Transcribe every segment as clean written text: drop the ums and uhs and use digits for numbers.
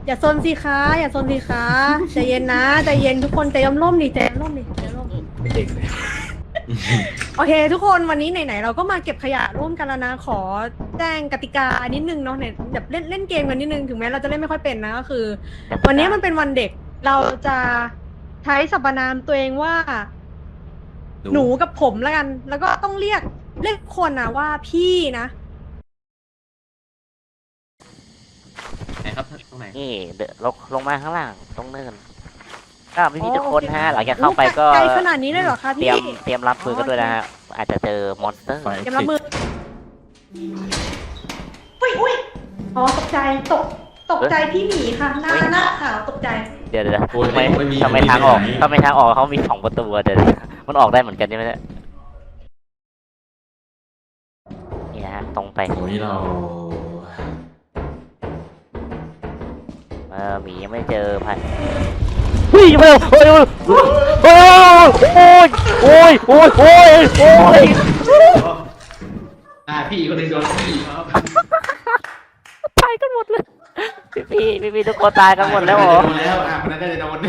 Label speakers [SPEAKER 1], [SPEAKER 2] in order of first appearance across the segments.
[SPEAKER 1] อย่าซนสิคะอย่าซนสิคะใจเย็นนะใจเย็นทุกคนใจร่มๆดิใจร่มๆดิใจร่ม
[SPEAKER 2] เป็นเด็กเลย
[SPEAKER 1] โอเค ทุกคนวันนี้ไหนๆเราก็มาเก็บขยะร่วมกันแล้วนะขอแจ้งกติกานิดนึงเนาะเนี่ยแบบเล่นเกมกันนิดนึงถึงแม้เราจะเล่นไม่ค่อยเป็นนะก็คือ วันนี้มันเป็นวันเด็กเราจะใช้สรรพนามตัวเองว่าหนูกับผมแล้วกัน แล้วก็ต้องเรียกคนนะว่าพี่นะ
[SPEAKER 2] ไหนครับตรงไหน
[SPEAKER 3] นี่เดอะลงมาข้างล่างตรงเนินก็พี่ทุกคนฮะหลังจากเข้าไปก็
[SPEAKER 1] ไกลขนาดนี้เลยเหรอคะ
[SPEAKER 3] เตรี
[SPEAKER 1] พี่
[SPEAKER 3] ยมเตรียมรับมือกันด้วยนะฮะอาจจะเจอมอนสเตอร์
[SPEAKER 1] เตรียมรับมืออุ้ยอ๋อตกใจตกใจพี่หมีค่ะหน้าขาวตกใจ
[SPEAKER 3] เดี๋ยวทำไมทางออกเขามี2 ประตูเดี๋ยวมันออกได้เหมือนกันใช่ไหมเนี่ยนี่นะฮะตรงไป
[SPEAKER 2] โอ้ยเรา
[SPEAKER 3] หมียังไม่เจอพันเฮ้ยมาเร็วโอ้ยโอ้ยโอ้ยโอ้ยโอ้ยโอ้ย
[SPEAKER 2] พี่คนหนึงโดนพี่ครับ
[SPEAKER 3] ตายกันหมดเลยพี่ทุกคนตายกันหมดแล้วเหรอ
[SPEAKER 2] โดนแล้วคนนั้นก็จะโดน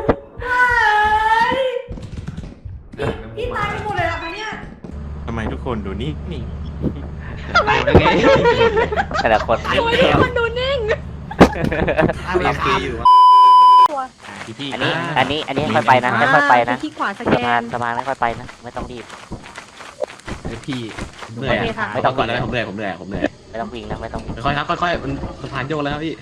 [SPEAKER 1] พี่ตายไปหมดเลยเหรอคะเนี่ย
[SPEAKER 4] ทำไมทุกคนดูนี่นี่
[SPEAKER 1] ทำไม
[SPEAKER 3] แต่ละคน
[SPEAKER 1] ทำไมทุกคนดูนิ่ง
[SPEAKER 4] เรียกคืออยู่พี่
[SPEAKER 3] อันนี้ค่อยไปนะค่อยไปนะ
[SPEAKER 1] ที่ขวาส
[SPEAKER 3] สะ
[SPEAKER 1] แก
[SPEAKER 3] พาน
[SPEAKER 1] น
[SPEAKER 3] สะพานค่อยไปนะไม่ต้องรีบ
[SPEAKER 2] พี่เหนื่อย
[SPEAKER 1] โอเคค่ะ
[SPEAKER 2] ไม่ต้องก่อนเลยผมเหนื่อย
[SPEAKER 3] ไม่ต้องวิ่งนะไม่ต้องวิ่ง
[SPEAKER 2] ค่อยๆครับค่อยๆมันสะพานโยกแล้วครับพี่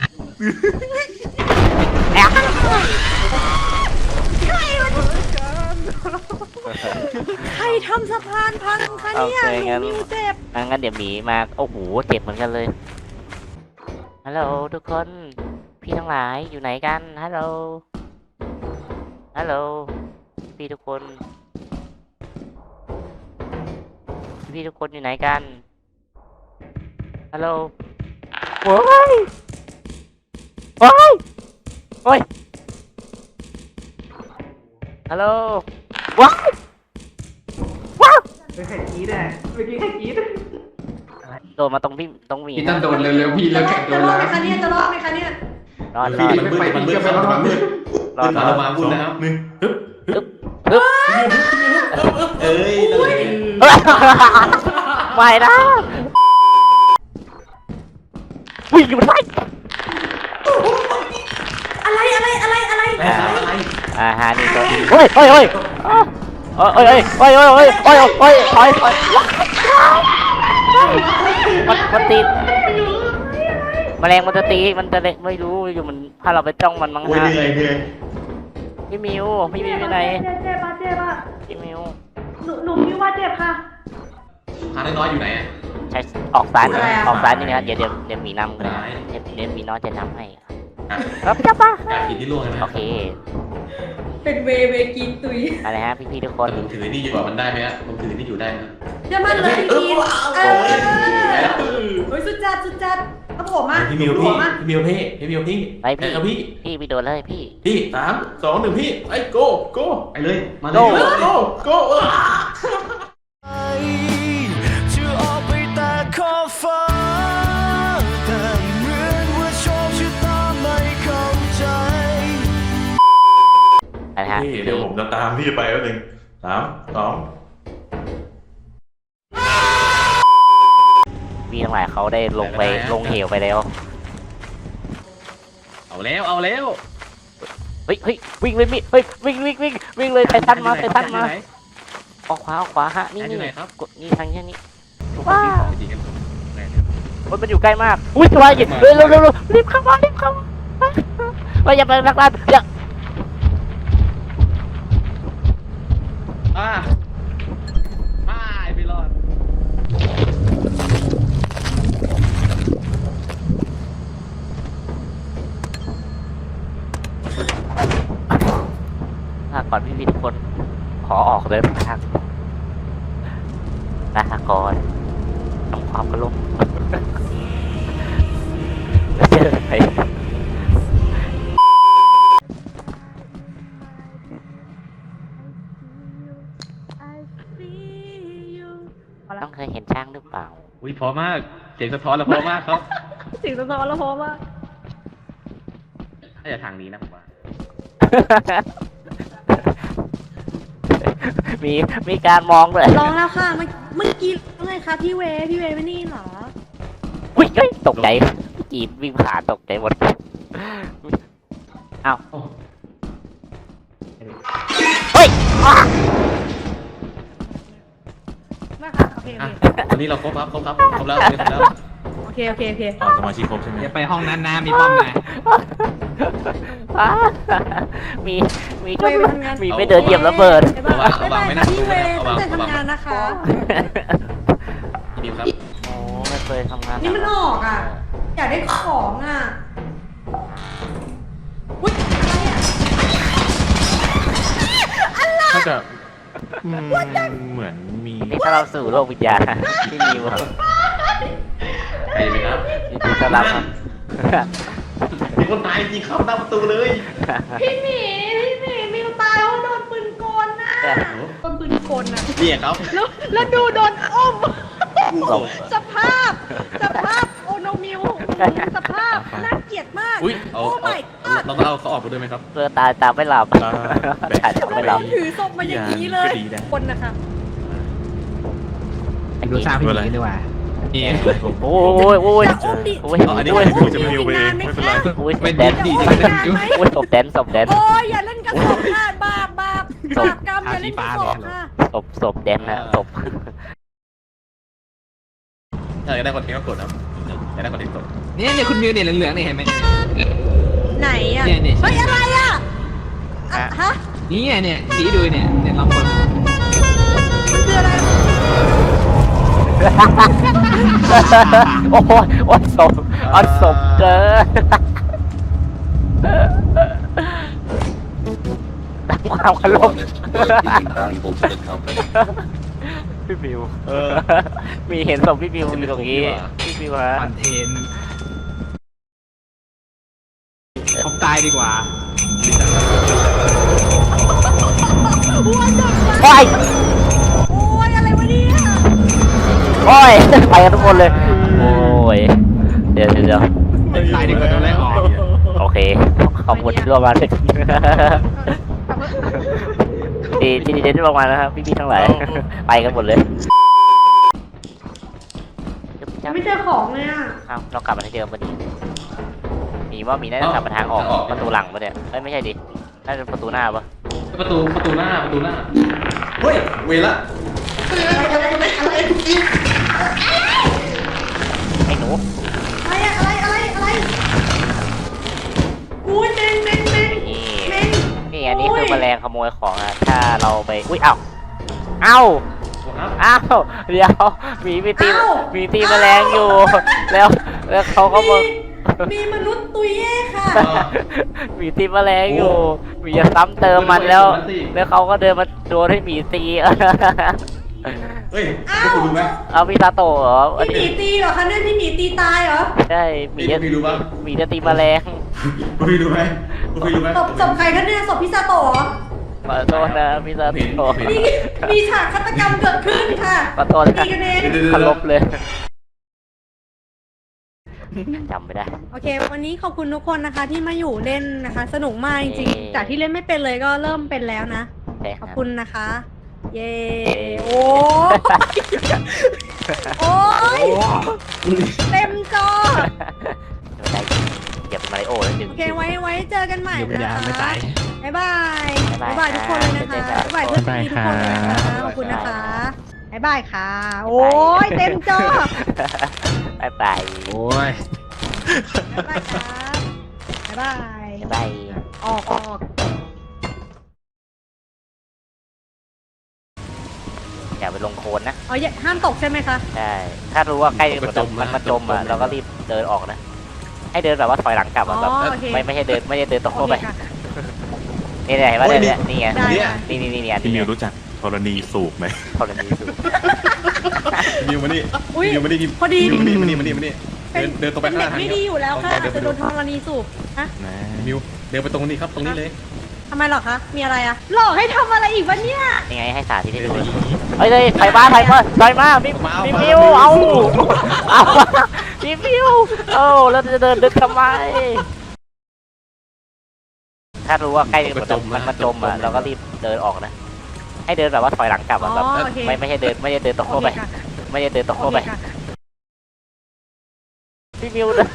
[SPEAKER 1] ใครทำสะพานพังคะเนี่ยหนูมิวเจ็บ
[SPEAKER 3] งั้นเดี๋ยวหมีมาโอ้โหเจ็บเหมือนกันเลยฮัลโหลทุกคนพี่ทั้งหลายอยู่ไหนกันฮัลโหลพี่ทุกคนอยู่ไหนกันฮัลโหลโอ้ยฮัลโหลว้ายโดนมาตรงพี่ตรงหมี
[SPEAKER 2] พี่ต้องโดนเร็วๆพี่เร็วแข่งโด
[SPEAKER 1] จะ
[SPEAKER 2] น
[SPEAKER 1] รอด
[SPEAKER 2] แล้ว
[SPEAKER 1] ไหมคะเนี่ยจะรอดไหมคะเนี่ย
[SPEAKER 3] รอด
[SPEAKER 2] พี่มันมืดครับมันมืด
[SPEAKER 3] รอด
[SPEAKER 2] เรามาบุญนะครับ
[SPEAKER 4] หนึ่งฮึบ
[SPEAKER 3] ฮึบ
[SPEAKER 2] เอ้ย
[SPEAKER 3] ไม่นะวิ่งอยู่ไหน
[SPEAKER 1] อะไร
[SPEAKER 3] ฮะนี่ตัวเฮ้ยถอยมันตีแมลงมันจะตีมันจะไม่รู้อยู่มันถ้าเราไปจ้องมันมั้ง
[SPEAKER 2] โอ้ย
[SPEAKER 3] ฮะ
[SPEAKER 2] เหนื่อย
[SPEAKER 3] พี่มิวอยู่ไหน
[SPEAKER 1] เจ็บอ่ะ
[SPEAKER 3] พี่มิว
[SPEAKER 1] หนูมิวว่าเจ็บค่ะ
[SPEAKER 2] พาน้อยอยู่ไหนอ่ะ
[SPEAKER 3] ใช้ออกซ้าย
[SPEAKER 1] อะไรอะ
[SPEAKER 3] ออกซ้ายนี่นะเดี๋ยวมีนำเลย
[SPEAKER 2] ซ้าย
[SPEAKER 3] เดี๋ยวมีน้องจะนำให้
[SPEAKER 2] อ่ะ
[SPEAKER 3] ครับจับปะ
[SPEAKER 2] อยากกินที่ล่วงใช่ไหม
[SPEAKER 3] โอเค
[SPEAKER 1] เป็นเวกินตุย
[SPEAKER 3] อะไรฮะพี่ทุกคน
[SPEAKER 2] ผมถือนี่อยู่มันได้ไหมฮะผมถือนี่อยู่ได้นะ
[SPEAKER 1] เดี๋ยวมันเลยกินเฮ้ยสุดจัดเอาผมอ่ะ
[SPEAKER 4] พี่มิวพี่พี่มิวพี่พี่มิวพี่
[SPEAKER 3] ไปพี่
[SPEAKER 4] ครับพี่
[SPEAKER 3] พี่โดนเลยพี่
[SPEAKER 4] พี่3 2 1พี่ไอ้โก้โก้
[SPEAKER 2] ไปเลยมาเลย
[SPEAKER 3] โก้
[SPEAKER 4] โก้โก้
[SPEAKER 5] จะออกไปแต่ขอบฟ้าแต่เหมือนว่าโชคชะตาไม่เข้าใจ
[SPEAKER 3] อะไรฮะ
[SPEAKER 4] พี่เดี๋ยวผมจะตามพี่ไปแล้วหนึ่ง3 2
[SPEAKER 3] พี่ทั้งหลายเขาได้ลงเหวไปแล้ว
[SPEAKER 2] เอาแล้ว
[SPEAKER 3] เฮ้ยวิ่งเลยพี่เฮ้ยวิ่งเลยไททันมาออกขวาฮะนี่กดนี่ทางนี้ว้ามันอยู่ใกล้มากอุ้ยสบายเร็วรีบเข้ามาว่าอย่าไปนักล่าอย่า
[SPEAKER 2] ไม่รอด
[SPEAKER 3] ก่อนพี่ทุกคนขอออกเลยทางลาก่อนทำความเคารพแล้วเจอใครต้องเคยเห็นช้างหรือเปล่า
[SPEAKER 2] อุ้ยพอมากเสียงสะท้อนแล้วพอมากครับ
[SPEAKER 1] เสิ่งสะท้อนแล้วพอมาก
[SPEAKER 2] น่าจะทางนี้นะผมว่า
[SPEAKER 3] มีการมองด้วย
[SPEAKER 1] ลองแล้วค่ะเมื่อกี้ว่าไงคะพี่เวไม่นี่เหรอ
[SPEAKER 3] วิ่งเฮ้ยตกใจจีบวิ่งผ่านตกใจหมดเอ้า
[SPEAKER 2] โอ้
[SPEAKER 3] เฮ้ยอ้า
[SPEAKER 1] มาค่ะโอเค
[SPEAKER 2] อ่ะตอนนี้เราครบแล้วครบแล้วตอนนี้ครบแล้ว
[SPEAKER 1] โอเค
[SPEAKER 4] อ๋อสมาชิกครบใช่ไหม
[SPEAKER 6] อย่าไปห้องนั้นนะมีป้อมนะ
[SPEAKER 3] อ้ามี
[SPEAKER 1] เวไปทำงาน
[SPEAKER 3] มีไม่เดินเหยียบระเบิด
[SPEAKER 2] เอาวางไว้นะ
[SPEAKER 1] พี่เว
[SPEAKER 2] เอา
[SPEAKER 1] ตั้
[SPEAKER 2] วาง ง
[SPEAKER 1] ใจ
[SPEAKER 2] เอาวาง
[SPEAKER 1] ทำงานนะคะ
[SPEAKER 2] ยินดีครับ
[SPEAKER 3] โอ้ไม่เคยทำงาน
[SPEAKER 1] นี่มันออกอ่ะ อยากได้ของอ่ะอุ้ยอะไรอ่ะ
[SPEAKER 4] น่าจะเหมือนมี
[SPEAKER 3] นี่ถ้าเราสู่โลกวิญญาณที่มีวะ
[SPEAKER 2] ใครไหมครับ
[SPEAKER 3] ยินดีต้อนรับครับ
[SPEAKER 2] มีคนตายจริงเข้าหน้าประตูเลย
[SPEAKER 1] พี่หมีมิวตายเพราะโดนปืนกลน่ะโดนปืนกลน่ะ
[SPEAKER 2] นี่ครับ
[SPEAKER 1] แล้วดูโดนอ้อม
[SPEAKER 2] กูส่ง
[SPEAKER 1] สภาพโอโนมิวสภาพน่าเกลียดมาก
[SPEAKER 2] อุ้ยเอา
[SPEAKER 1] โอ้ my god
[SPEAKER 2] เราเอาเขาออกไปด้วยไหมครับ
[SPEAKER 3] เพื่อตายตามไม่หลับตายตามไม่หลับ
[SPEAKER 1] ถือศพมาอย่างนี้เลย คนนะคะ
[SPEAKER 6] ดูสร้างพี่หมีกันดีกว่านี่
[SPEAKER 3] โอ้ยโอ้ย
[SPEAKER 1] จะอุ้มดิ
[SPEAKER 3] โอ้ย
[SPEAKER 2] อันนี้
[SPEAKER 3] โอ้ย
[SPEAKER 2] ผมจะไปมิวเองไม่เป็นไร
[SPEAKER 3] โอ้ย
[SPEAKER 6] เป็น
[SPEAKER 3] แดน
[SPEAKER 6] ดี
[SPEAKER 1] จะ
[SPEAKER 6] จริง
[SPEAKER 1] อุ้ม
[SPEAKER 6] นะ
[SPEAKER 1] นานไหม
[SPEAKER 3] โอ้ยศพแดนศพแดน
[SPEAKER 1] โอ้ยอย่าเล่นกระสอบค่ะบาปกรรมอย่าเล่นกระสอบค่ะ
[SPEAKER 3] ศพแดนนะศพ
[SPEAKER 2] ถ้าอยากได้คอนเทนต์ก็กดครับอยากได้คอนเทนต์กด
[SPEAKER 6] เนี่ยคุณมิวเนี่ยเหลืองๆนี่เห็นไหม
[SPEAKER 1] ไหนอ่ะ
[SPEAKER 6] เนี่ย
[SPEAKER 1] เฮ้ยอะไรอ่ะฮะ
[SPEAKER 6] นี่เนี่ยสีดูเนี่ยลองกด
[SPEAKER 1] มันคืออะไร
[SPEAKER 3] โอ้ยโอ้ยศพอันศพเกินตั้งความเคารพพี่บิวมีเห็นศพพี่บิวอยู่ตรงนี้พี่บิวฮะ
[SPEAKER 6] คอนเทนต์ผมตายดีกว่า
[SPEAKER 3] โอ้ย
[SPEAKER 1] โอ้ยอะไรวะเนี่ย
[SPEAKER 3] โอ้ยไปกันทุกคนเลยโอ้ยเดี๋ยว
[SPEAKER 6] ตายดีกว่าโดนไล่ออก
[SPEAKER 3] โอเคขอบคุณที่ร่วมงานด้วยดีที่ร่วมงานนะครับพี่ๆทั้งหลายไปกันหมดเลย
[SPEAKER 1] ไม่เจอของเลยอ่ะ
[SPEAKER 3] เอาเรากลับมาที่เดิมพอดีมีว่ามีน่าจะกลับมาทางออกประตูหลังปะเนี่ยเอ้ยไม่ใช่ดิน่าจะประตูหน้าปะ
[SPEAKER 2] ประตูหน้าเฮ้ยเวละ
[SPEAKER 3] ไอ้หนู
[SPEAKER 1] อะไรอุ้ยเน่ง
[SPEAKER 3] นี่นี่อันนี้คือแมลงขโมยของอะถ้าเราไปอุ้ยเอ้าเอ้าเดี๋ยวมีตีแมลงอยู่แล้วเขาก็มา
[SPEAKER 1] มีมนุษย์ตุยเย่ค่ะ
[SPEAKER 3] มีตีแมลงอยู่มีจะซ้ำเติมมันแล้วเขาก็เดินมาโดนให้หมีตี
[SPEAKER 2] เฮ้ยคุณรู้ไหม
[SPEAKER 3] เอาพี่ซาโตะเหรอ
[SPEAKER 1] พี่หมีตีเหรอคะเนี่ยพี่หมีตีตายเหรอ
[SPEAKER 3] ใช่หมีจะ
[SPEAKER 2] พี่รู้ป่ะ
[SPEAKER 3] หมีจะตีแมลง
[SPEAKER 2] พี่รู้ไหมพี่รู้ไหม
[SPEAKER 1] ศพใครคะเนี่ยศพพี่ซาโตะเหรอ
[SPEAKER 3] ขอโทษนะพี่ซาโตะ
[SPEAKER 1] มีฉากฆาตกรรมเกิดขึ้นค่ะ
[SPEAKER 3] ขอโทษนะ
[SPEAKER 1] ตีกันเอง
[SPEAKER 3] เคารพเลยจำไม่ได้
[SPEAKER 1] โอเค วันนี้ขอบคุณทุกคนนะคะที่มาอยู่เล่นนะคะ สนุกมากจริงๆ จากที่เล่นไม่เป็นเลยก็เริ่มเป็นแล้วนะ ขอบคุณนะคะ เย้โอ้ยโอ้ยเต็มจอ
[SPEAKER 3] ไม่ได้เก็บมาริโอแล้วดึง
[SPEAKER 1] โอเคไว้เจอกันใหม่
[SPEAKER 6] เดี๋ยวไม่
[SPEAKER 1] นะ
[SPEAKER 6] ได้
[SPEAKER 1] คะ
[SPEAKER 6] ไม่ตาย
[SPEAKER 1] บ๊ายบายบ๊ายบายทุกคนเลยนะคะบ๊ายบายเพื่อนๆทุกคนเลยนะคะขอบคุณนะคะบ๊ายบายค่ะ โอ้ยเต็มจอ
[SPEAKER 3] บายบาย
[SPEAKER 6] โอ้ย
[SPEAKER 1] บ๊ายบายครับบ๊ายบาย
[SPEAKER 3] บาย
[SPEAKER 1] ออก
[SPEAKER 3] อย่าไปลงโคลนนะ
[SPEAKER 1] อ๋ออย่าห้ามตกใช่ไหมคะ
[SPEAKER 3] ใช่ถ้ารู้ว่าใกล้มันมาจมอ่ะเราก็รีบเดินออกนะ ให้เดินแบบว่าถอยหลังกลับ
[SPEAKER 1] อ๋อ
[SPEAKER 3] แบบ
[SPEAKER 1] โอเค
[SPEAKER 3] ไม่ใช่เดินตรง
[SPEAKER 1] โอ
[SPEAKER 3] เข้า
[SPEAKER 1] เค
[SPEAKER 3] ไป
[SPEAKER 1] ค่ะ
[SPEAKER 3] นี่เห็นป่ะเนี่ยนี่ไง
[SPEAKER 1] ได้
[SPEAKER 3] นี่
[SPEAKER 4] พี่มิวรู้จักธรณีสูบไหม
[SPEAKER 3] ธรณีสูง
[SPEAKER 2] มิวมานี่
[SPEAKER 1] อุ้ย
[SPEAKER 2] มิวมานี่
[SPEAKER 1] พอดี
[SPEAKER 2] มิวมานี่เดินตรงไป
[SPEAKER 1] เป็น
[SPEAKER 2] ข้างห
[SPEAKER 1] เด็
[SPEAKER 2] น้าก ทาง
[SPEAKER 1] ไม่
[SPEAKER 2] นี้
[SPEAKER 1] ดีอยู่แล้วค่ะจะโดนธรณีสูบฮะ
[SPEAKER 4] นะ
[SPEAKER 2] มิวเดินไปตรงนี้ครับตรงนี้เลย
[SPEAKER 1] ทำไมหรอคะ มีอะไรอะหลอกให้ทำอะไรอีกวะเนี่ย
[SPEAKER 3] ยังไงให้สาธิตให้ดูเฮ้ยไฟมามีฟิวเอามีฟิวแล้วจะเดินดึกทำไมถ้ารู้ว่าใกล้มันจมอ่ะเราก็รีบเดินออกนะ ให้เดินแบบว่าถอยหลังกลับ
[SPEAKER 1] อ๋
[SPEAKER 3] อ่ะ
[SPEAKER 1] อ
[SPEAKER 3] แบบ
[SPEAKER 1] โอเค
[SPEAKER 3] ไม่ใช่เดินตก
[SPEAKER 1] โอ
[SPEAKER 3] เข้า
[SPEAKER 1] เค
[SPEAKER 3] ไป
[SPEAKER 1] ค่ะ
[SPEAKER 3] ไม่ใช่เดินตก
[SPEAKER 1] โอ
[SPEAKER 3] เข้า
[SPEAKER 1] เค
[SPEAKER 3] ไป
[SPEAKER 1] ค่ะ
[SPEAKER 3] พี่มิวเดิน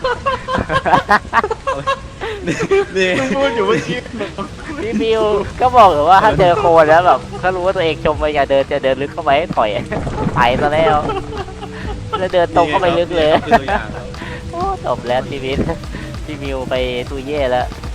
[SPEAKER 4] นี่
[SPEAKER 2] พูดอยู่เมื่อกี้
[SPEAKER 3] พี่มิวก็บอกเลยว่าถ้าเจอโคลนแล้วแบบถ้ารู้ว่าตัวเองจมไปอย่าเดินจะเดินลึกเข้าไปให้ถอยไปซะแล้วแล้วเดินตรงเข้าไปลึกเลย
[SPEAKER 4] นี่ไงครับ
[SPEAKER 3] โอ้จบแล้วชีวิตพี่มิวไปตุยเย่แล้ว